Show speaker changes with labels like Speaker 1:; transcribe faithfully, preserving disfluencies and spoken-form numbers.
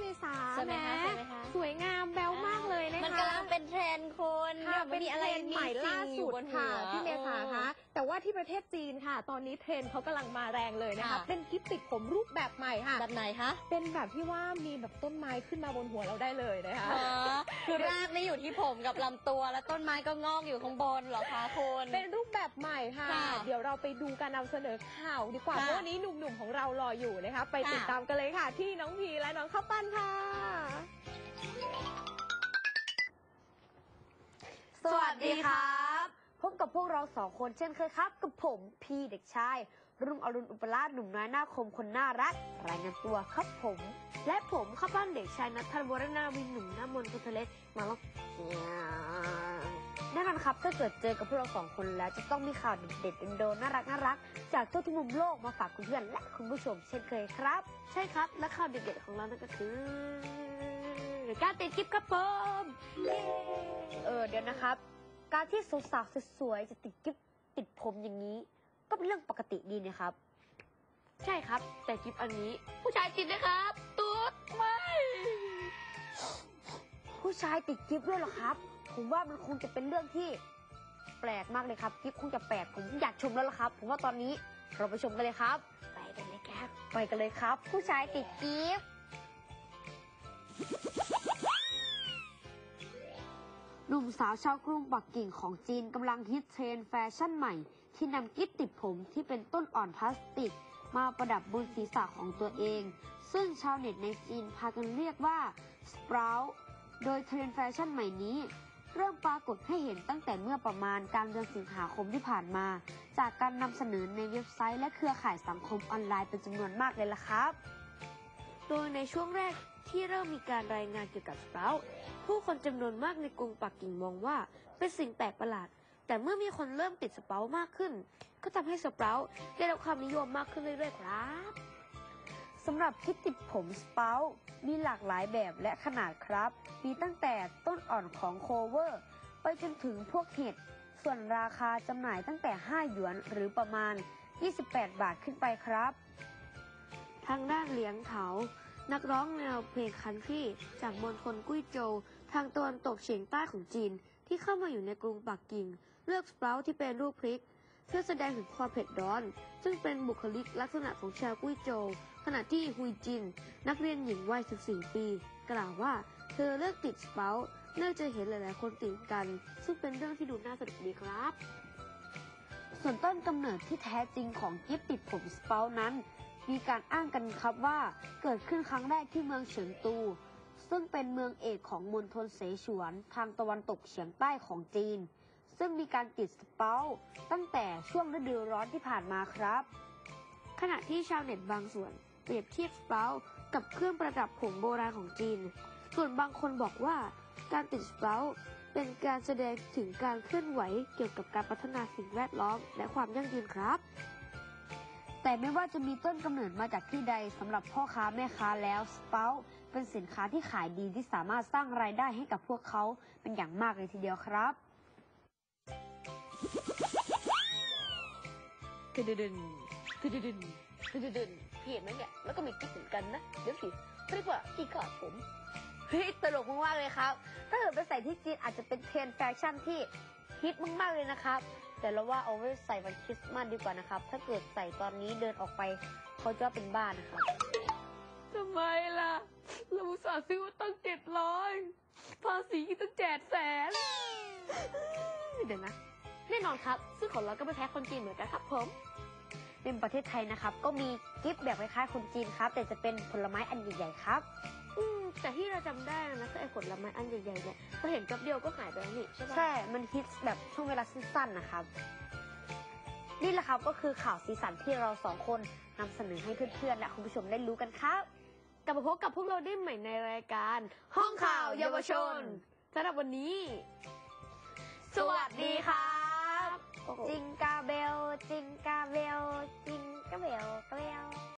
Speaker 1: ษา
Speaker 2: ใช่ไหมคะใช่ไหมคะ
Speaker 1: สวยงามแบวมากเลยนะคะ
Speaker 2: มันกำลังเป็นเทรนด์คน
Speaker 1: ค่ะเป็น
Speaker 2: อะไร
Speaker 1: เทรนด์ใหม่ล่าสุดค่ะพี่เมษาคะแต่ว่าที่ประเทศจีนค่ะตอนนี้เทรนด์เขากำลังมาแรงเลยนะคะเป็นกิฟต์ติดผมรูปแบบใหม่ค่ะ
Speaker 2: แบบไหนคะ
Speaker 1: เป็นแบบที่ว่ามีแบบต้นไม้ขึ้นมาบนหัวเราได้เลยนะคะ
Speaker 2: คือรากนี่อยู่ที่ผมกับลำตัวแล้วต้นไม้ก็งอกอยู่ข้างบนเหรอคะคุณ
Speaker 1: เป็นรูปแบบใหม่ค่ะเดี๋ยวเราไปดูการนำเสนอข่าวดีกว่าเพราะวันนี้หนุ่มๆของเรารออยู่นะคะไปติดตามกันเลยค่ะที่น้องพีและน้องข้าวปั้นค่ะ
Speaker 3: สวัสดีครับพบกับพวกเราสองคนเช่นเคยครับกับผมพี่เด็กชายรุ่งอรุณอุปราชหนุ่มน้อยหน้าคมคนน่ารักรายงานตัวครับผมและผมข้าบ้านเด็กชายนัทธวรนาวินหนุ่มหน้ามนต์คนทะเลมาแล้วแน่นอนครับถ้าเกิดเจอกับพวกเราสองคนแล้วจะต้องมีข่าวเด็ดๆโดนๆน่ารักน่ารักจากทั่วทุกมุมโลกมาฝากคุณเพื่อนและคุณผู้ชมเช่นเคยครับใช่ครับและข่าวเด็ดๆของเรานั่นก็คือการติดกิ๊บครับผมเออเดี๋ยวนะครับการที่สาวๆสวยๆจะติดกิ๊บติดผมอย่างนี้ก็เป็นเรื่องปกติดีนะครับใช่ครับแต่กิ๊บอันนี้ผู้ชายติดนะครับตุ๊ดไม่ผู้ชายติดกิ๊บด้วยเหรอครับผมว่ามันคงจะเป็นเรื่องที่แปลกมากเลยครับกิ๊บคงจะแปลกผมอยากชมแล้วล่ะครับผมว่าตอนนี้เราไปชมกันเลยครับไปกันเลยครับไปกันเลยครับผู้ชายติดกิ๊บหนุ่มสาวชาวกรุงปักกิ่งของจีนกำลังฮิตเทรนด์แฟชั่นใหม่ที่นำกิ๊บติดผมที่เป็นต้นอ่อนพลาสติกมาประดับบนศีรษะของตัวเองซึ่งชาวเน็ตในจีนพากันเรียกว่าสปราวโดยเทรนด์แฟชั่นใหม่นี้เริ่มปรากฏให้เห็นตั้งแต่เมื่อประมาณกลางเดือนสิงหาคมที่ผ่านมาจากการนำเสนอในเว็บไซต์และเครือข่ายสังคมออนไลน์เป็นจำนวนมากเลยล่ะครับโดยในช่วงแรกที่เริ่มมีการรายงานเกี่ยวกับสปราวผู้คนจำนวนมากในกรุงปักกิ่งมองว่าเป็นสิ่งแปลกประหลาดแต่เมื่อมีคนเริ่มติดสปราวมากขึ้นก็ทำให้สปราวได้รับความนิยมมากขึ้นเรื่อยๆครับสำหรับกิ๊บติดผมสปราวมีหลากหลายแบบและขนาดครับมีตั้งแต่ต้นอ่อนของโคเวอร์ไปจนถึงพวกเห็ดส่วนราคาจำหน่ายตั้งแต่ห้าหยวนหรือประมาณยี่สิบแปดบาทขึ้นไปครับทางด้านเหลียงเถานักร้องแนวเพลงคันทรีจากมณฑลกุ้ยโจวทางตะวันตกเฉียงใต้ของจีนที่เข้ามาอยู่ในกรุงปักกิ่งเลือกสปราวที่เป็นรูปพริกเพื่อแสดงถึงความเผ็ดร้อนซึ่งเป็นบุคลิกลักษณะของชาวกุ้ยโจวขณะที่ฮุยจินนักเรียนหญิงวัยสิบสี่ปีกล่าวว่าเธอเลือกติดสปราวเนื่องจากเห็นหลายๆคนติดกันซึ่งเป็นเรื่องที่ดูน่าสนุกดีครับส่วนต้นกำเนิดที่แท้จริงของกิ๊บติดผมสปราวนั้นมีการอ้างกันครับว่าเกิดขึ้นครั้งแรกที่เมืองเฉิงตูซึ่งเป็นเมืองเอกของมณฑลเสฉวนทางตะวันตกเฉียงใต้ของจีนซึ่งมีการติดสปราวตั้งแต่ช่วงฤดูร้อนที่ผ่านมาครับขณะที่ชาวเน็ตบางส่วนเปรียบเทียบสปราวกับเครื่องประดับผมโบราณของจีนส่วนบางคนบอกว่าการติดสปราวเป็นการแสดงถึงการเคลื่อนไหวเกี่ยวกับการพัฒนาสิ่งแวดล้อมและความยั่งยืนครับแต่ไม่ว่าจะมีต้นกำเนิดมาจากที่ใดสำหรับพ่อค้าแม่ค้าแล้วสปราวเป็นสินค้าที่ขายดีที่สามารถสร้างรายได้ให้กับพวกเขาเป็นอย่างมากเลยทีเดียวครับตึดดึนตึดดึนตึดดึนพี่เห็นไหมเนี่ยแล้วก็มีกิ๊บเหมือนกันนะเดี๋ยวสิเรียกว่ากิ๊กขาดผมเฮ้ยตลกมากๆเลยครับถ้าเกิดไปใส่ที่จีนอาจจะเป็นเทรนด์แฟชั่นที่ฮิตมากๆเลยนะครับแต่เราว่าเอาไว้ใส่วันคริสต์มาสดีกว่านะครับถ้าเกิดใส่ตอนนี้เดินออกไปเขาจะเป็นบ้านะครับทำไมล่ะเราอุตส่าห์ซื้อมาตั้งเจ็ดร้อยภาษีตั้งเจ็ดแสนเดี๋ยวนะแน่นอนครับซึ่งของเราก็ไม่แพ้คนจีนเหมือนกันครับผมในประเทศไทยนะครับก็มีกิฟต์แบบคล้ายๆคนจีนครับแต่จะเป็นผลไม้อันใหญ่ๆครับอืมแต่ที่เราจำได้นะคือไอ้ผลไม้อันใหญ่ๆเนี่ยเราเห็นแป๊บเดียวก็หายไปแล้วนี่ใช่ไหมใช่มันฮิตแบบช่วงเวลาสั้นๆนะครับนี่แหละครับก็คือข่าวสีสันที่เราสองคนนำเสนอให้เพื่อนๆและคุณผู้ชมได้รู้กันครับกลับมาพบกับพวกเราได้ใหม่ในรายการห้องข่าวเยาวชนสำหรับวันนี้สวัสดีครับจิงกาเบลจิงกาเบลจิงกาเบลเบล